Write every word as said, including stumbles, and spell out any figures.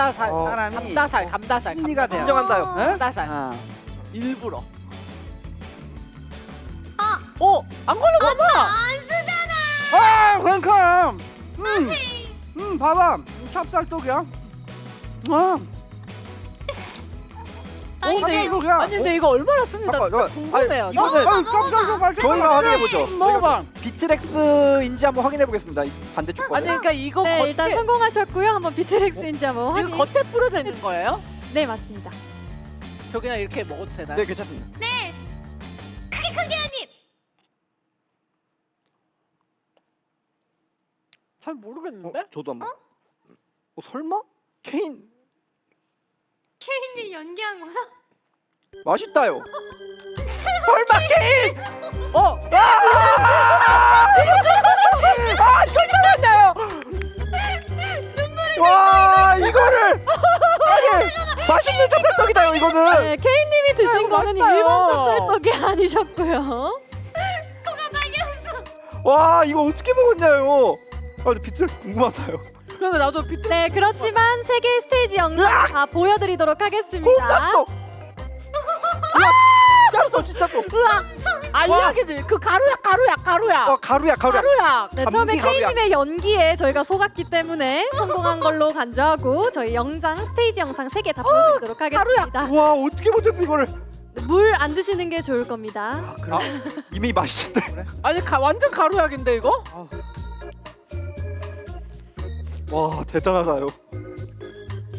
감다살. 어, 사람이 감다살. 감다살. 심리가 돼요. 인정한다요. 어? 감다살. 아. 일부러. 아. 어, 안 걸려봐. 안 쓰잖아. 아, 그러니까. 음, 음, 봐봐. 찹쌀떡이야. 아, 아니, 어, 근데 이거 그냥. 아니 근데 이거 얼마나 쓰는지 나 잠깐, 궁금해요. 아니, 이거는 아유, 찹쌀떡 맛있어. 저희가 확인해 보죠. 먹어봐. 비트렉스인지 한번 확인해 보겠습니다. 이 반대쪽 거. 아니 그러니까 이거 네, 겉에 일단 성공하셨고요. 한번 비트렉스인지 한번 확인. 이거 겉에 뿌려져 있는 거예요? 네, 맞습니다. 저 그냥 이렇게 먹어도 되나요? 네, 괜찮습니다. 네. 크게 크게 한 입. 잘 어, 모르겠는데? 저도 한번. 어, 설마? 케인 케인님 연기한 거야? 맛있다요. 설마 케인? 어, 아, 이걸 참았나요? 와, 이거를 아니 맛있는 찹쌀떡이다요 이거는. 네, 케이님이 드신 아이고, 거는 맛있어요. 일반 찹쌀떡이 아니셨고요. 코가 빨개졌어. 와, 이거 어떻게 먹었냐요? 아, 근데 비트렉스 궁금하다요. 근데 나도 비트 네, 그렇지만 세 개의 스테이지 영상 다 보여드리도록 하겠습니다. 콩깍떡. 콩깍떡 진짜 또. 알약이지. 그 가루야, 가루야, 가루야. 어, 가루야 가루야. 가루야. 네, 감기 처음에 가루야. 케이님의 연기에 저희가 속았기 때문에 성공한 걸로 간주하고 저희 영상, 스테이지 영상 세 개 다 보여드리도록 하겠습니다. 와, 어떻게 버텼어 이거를? 물 안 드시는 게 좋을 겁니다. 아, 이미 맛있는데. 아니 가, 완전 가루약인데 이거? 와, 대단하다요.